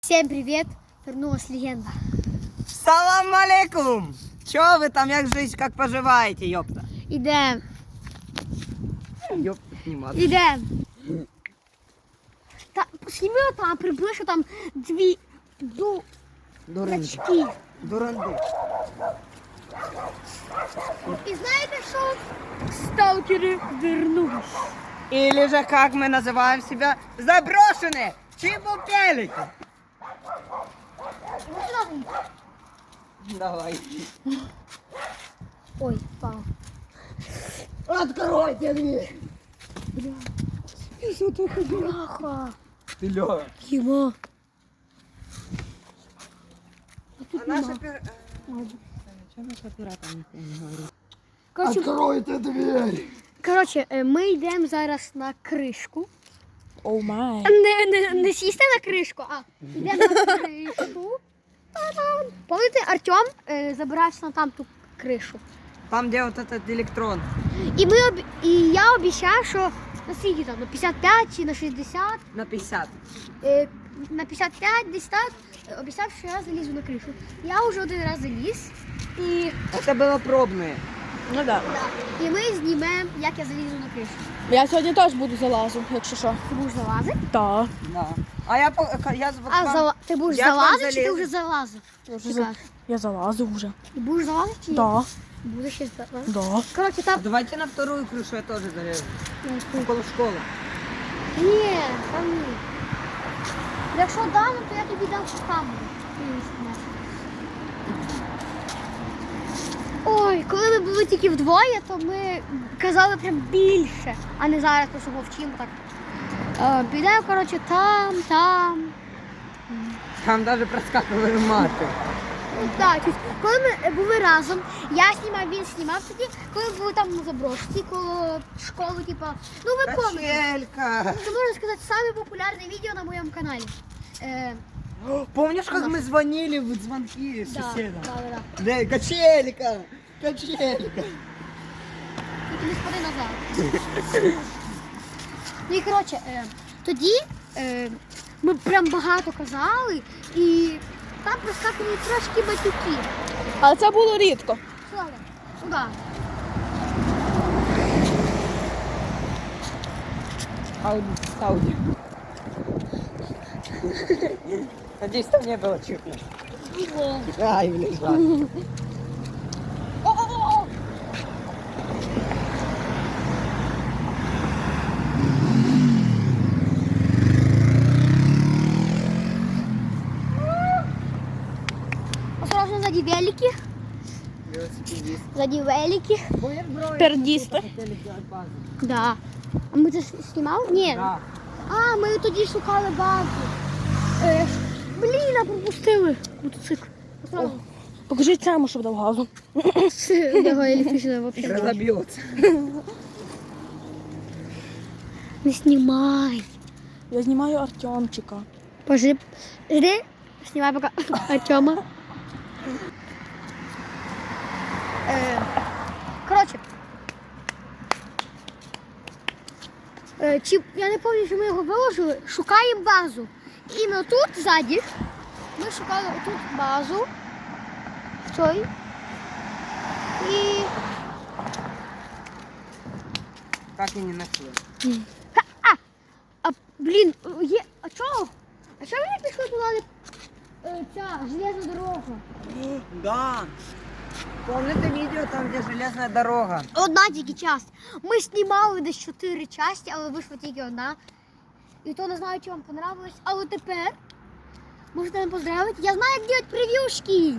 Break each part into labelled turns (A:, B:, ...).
A: Всем привет! Вернулась легенда.
B: Салам алейкум! Чё вы там, як жизнь, как поживаете, ёпта?
A: Ідем.
B: Ёпта, снимать.
A: Ідем. Та сніми там, приблизно там дві
B: Дуринки.
A: дурачки.
B: Дуранды.
A: І знаєте що? Сталкери вернулись.
B: Или же, как мы называем себя, заброшенные чебупелики. Давай.
A: Ой, впав.
B: Откройте дверь.
A: Бляха.
B: Ты Лёва.
A: Його.
B: А наш оператор... Чё наш оператор не говорит? Откройте дверь.
A: Коротше, ми йдемо зараз на кришку.
C: Оу май.
A: Не сісти на кришку, а йдемо на кришку. Та-дам. Пам'ятаєте, Артем забирався на там ту кришу.
B: Там, где вот этот электрон.
A: І я обіцяв, що на скільки там, на 55 чи на 60,
B: На 50.
A: на 55 десь так, обіцяв, що я залізу на кришу. Я вже один раз заліз, і,
B: Это было пробное.
C: Ну да.
A: і ми знімемо, як я залізу на кришу.
C: Я сьогодні теж буду залазу, якщо що.
A: Ти будеш залазити?
C: Так.
B: Да. А я...
A: Ти будеш
B: Як вам
A: залазити, чи ти
B: залізти?
A: вже залазив? Ти кажеш.
C: Я залазу вже.
A: Ти будеш залазити, чи ні?
C: Да.
A: Будеш ще залазити?
C: Да.
A: Коротше, там...
B: Давайте на вторую крышу я тоже залезу. Около школы.
A: Ні, там ні. Якщо дам, то я тобі дам камеру. Ой, коли ми були тільки вдвоє, то ми казали прям більше, а не зараз просто мовчимо так. Підемо, коротше, там.
B: Там даже проскакивали маты.
A: Ну, так, коли ми були разом, я знімав, він знімав тоді, коли ми були там на заброшці, коло школи, типа, ну ви пам'ятаєте.
B: Качелька.
A: Це, можна сказати, саме популярне відео на моєму каналі.
B: Помнишь, как мы звонили в звонки соседям?
A: Да.
B: Да, качелька. Качелька.
A: Тільки не спади назад. Ну і коротше, тоді ми прям багато казали і там проскакували трошки батюки.
C: Але це було рідко.
A: Сюди, сюди.
B: Ауди. Надеюсь, там не было чего. Ай, блин, ладно.
A: О! Осторожно, сзади велики.
B: Велосипедист.
A: Сзади велики.
C: Пердісти.
B: Хотели сделать базу.
A: Да. А ми це знімали? Ні.
B: Да.
A: А, ми тоді шукали базу. Блін, а пропустили мотоцикл. Осторожно.
C: Покажіть цьому, щоб дав газу.
A: Його електричне взагалі.
B: Разобьется.
A: Не знімай.
C: Я знімаю Артемчика.
A: Жди, знімай поки Артема. Коротше. Я не пам'ятаю, що ми його виложили. Шукаємо базу. І ми тут ззаді. Ми шукали отут базу. В цій. І...
B: Так и не нашли.
A: Блін, а чого? А чого ви не пішли туди, ця железна дорога?
B: Да. Помните видео там, где железная дорога?
A: Одна тільки часть. Ми знімали десь 4 частини, але вийшла тільки одна. І то не знаю, чи вам понравилось. Але тепер можете мене поздравити. Я знаю, як робити прев'юшки.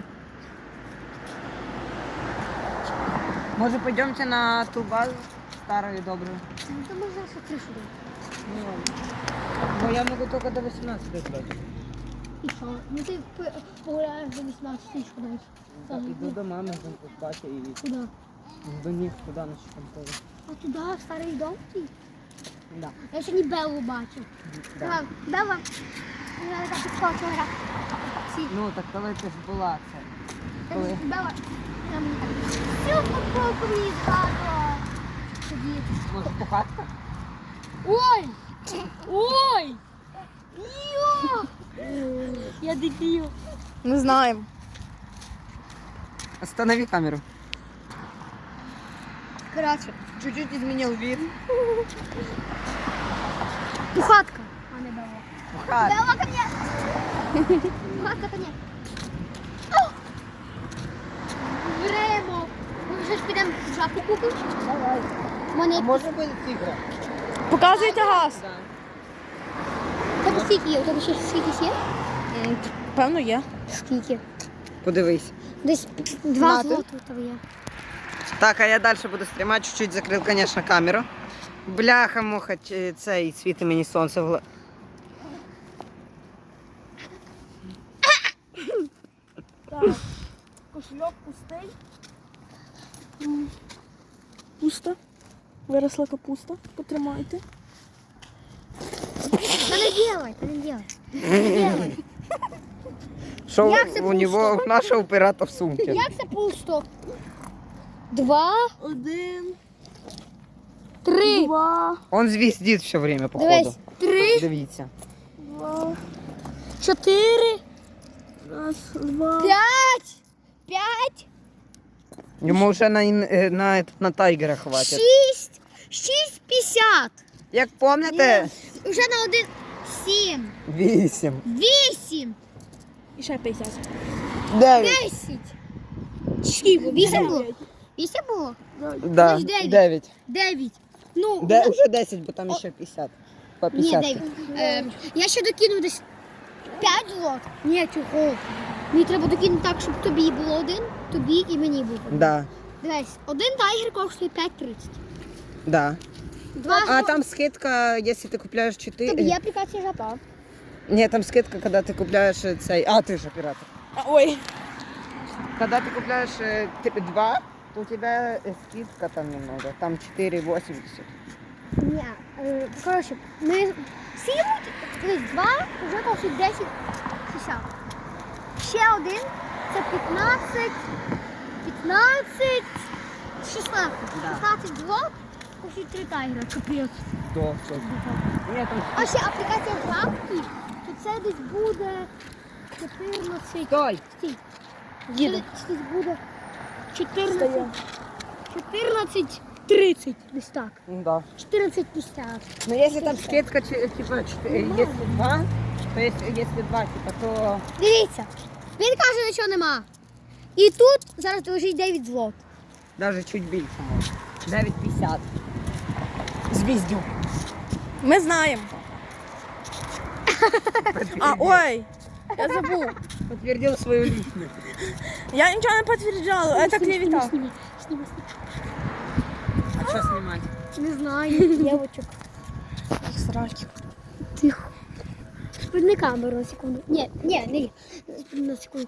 B: Может, пойдемте на ту базу? Старую и добрую.
A: Ну, то можна ще кришу дати.
B: Ну ладно. Но я могу только до 18 играть.
A: І що? Ну ти погуляєш до 18 тисяч кудись.
B: Иду до мамы, там к папе и
A: Куди?
B: до них туда на школу.
A: А туди, в старий дом?
B: Да.
A: Я сьогодні Беллу бачив.
B: Да.
A: Белла, я така підскочила.
B: Ну, так коли ти ж була це? Коли?
A: Белла, я мені так. Всю футболку мені згадувала. Тоді.
B: Може, пухатка?
A: Ой! Ой! Йо! Я дебіл.
C: Не знаємо.
B: Останови камеру.
A: Коротше,
B: Чуть-чуть изменил вид.
A: пухатка. А не дала.
B: Пухат.
A: Дала ко мне. Пухатка ко мне. Беремо. Ми вже ж підемо жабку купимо.
B: Давай.
A: Мене
B: Може бути тигра?
C: Показуйте газ.
A: у тебе скільки є? У тебе ще скільки є?
C: Певно, є.
A: Скільки?
B: Подивись.
A: Десь 2
C: Мати.
A: злоти у тебе є.
B: Так, а я дальше буду стрімати, чуть-чуть закрив, конечно, камеру. Бляха-муха, цей світи мені сонце в
C: Так. Кошельок пустий. Пусто. Виросла капуста. Потримайте.
A: Та не делай, та не делай. Не делай.
B: Що
A: Як це
B: у нього, у нашого пирата в сумці?
A: Як це пусто? 2,
C: 1,
A: 3.
C: 2,
B: Он звіздить все время, походу.
A: Дивись. 3,
B: Дивіться.
C: 2,
A: 4,
C: 2.
A: 5. 5,
B: Йому вже на тайгера хватить.
A: 6. 6,50.
B: Як пам'ятаєте?
A: Уже на 1, 7.
B: 8.
A: 8.
C: І ще 50.
B: 9.
A: 10. Скільки? 8 було? 8 було?
B: Да.
A: Значить, 9.
B: 9.
A: 9. Ну,
B: Уже 10, бо там ще 50. По
A: ні,
B: 50.
A: 9. Я ще докину десь 5 злот. Ні, чого? Мені треба докинути так, щоб тобі було 1, тобі і мені був 1.
B: Да.
A: Дивись, один тайгер коштує 5,30.
B: Да.
A: 2
B: А там скидка, якщо ти купляєш 4.
A: Тобі є аплікація жапа.
B: Ні, там скидка, коли ти купляєш цей. А, ти ж оператор.
C: Ой.
B: Когда ты купляешь 2, то у тебя скидка там немного. Там 4,80.
A: Ні, коротше, ми скільки 2 вже коштує 10,60. Ще один, це 15, 16. 16 злот, коштує 3 тайгера, капець.
B: До, все. Ні, там
A: А ще аплікація жабки, то це десь буде 14.
B: Стой!
A: Стій.
C: Їду.
A: Це десь буде 14,30. Десь так.
B: Да.
A: 14,50.
B: Но если там скидка, типа, если 2, то если 2, типа, то...
A: Дивіться, він каже, нічого нема. І тут зараз лежить 9 злот.
B: Даже чуть більше може. 9,50. Звіздю.
C: Ми знаємо. А, ой. Я забув.
B: Подтвердил свою личность.
C: Я нічого не підтверджала, це клевета.
A: Сніми.
B: А что снимать?
A: Не знаю, дівочок.
C: Сраки.
A: Тихо. Спини камеру на секунду. Ні, не. На секунду.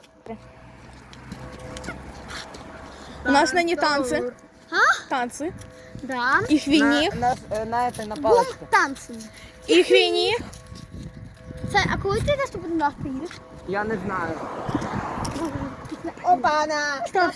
C: У нас нині танці.
A: А?
C: Танці.
A: Да.
C: І хвініг.
B: На этой, на
A: Бум
B: палочке.
A: танцем.
C: І хвініг.
A: Це, а коли ти наступний раз приїдеш?
B: Я не знаю.
A: Опана! Стоп.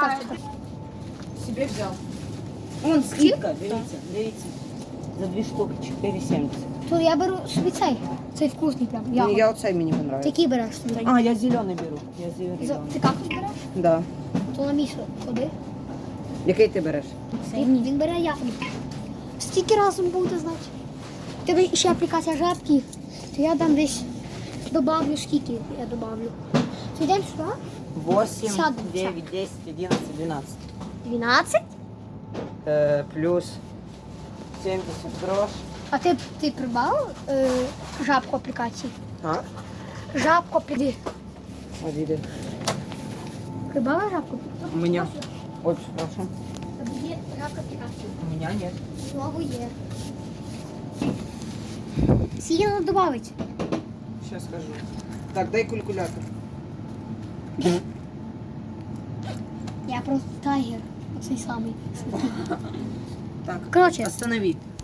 B: Себе взял. Вон скидка, дивіться. За 2 штуки 4,70.
A: То я беру собі цей. Цей вкусний прям.
B: Ну, я оцей мені
A: Ти
B: понравился.
A: який береш собі?
B: А, я зеленый беру. Я зеленый.
A: Ти кактус береш?
B: Да.
A: То на місто ходи.
B: Який ти береш?
A: Він бере ягоду. Стільки разом буде, значить. У тебе ще аплікація жабки, то я дам десь добавлю скільки я добавлю. То йдемо сюди.
B: 8,
A: Сяду,
B: 9, 10, 11, 12.
A: 12.
B: Плюс 70 грош.
A: А ти прибав жабку аплікації?
B: А?
A: Жабку піди.
B: Види.
A: Прибава жабку?
B: У меня. Очень прошу.
A: Є жабка аплікації.
B: У меня нет.
A: Слово є. Скільки треба додати?
B: Сейчас скажу. Так, дай калькулятор.
A: Я просто тайгер. Оцей самий.
B: Так,
A: Коротше,
B: останови.